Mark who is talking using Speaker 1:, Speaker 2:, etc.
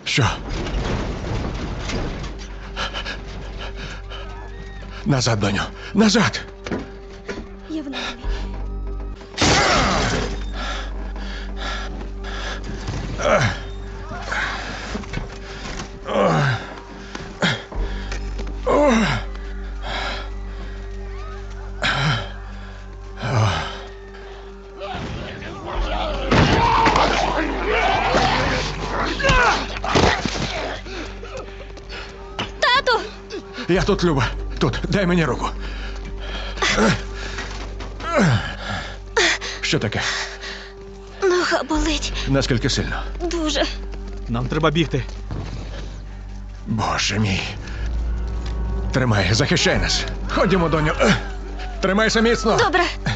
Speaker 1: Що? Назад, доню. Назад!
Speaker 2: Я в нормі. Тату!
Speaker 1: Я тут, Люба. Тут. Дай мені руку. Що таке?
Speaker 2: Нога болить.
Speaker 1: Наскільки сильно?
Speaker 2: Дуже.
Speaker 3: Нам треба бігти.
Speaker 1: Боже мій. Тримай, захищай нас. Ходімо, доню. Тримайся міцно.
Speaker 2: Добре.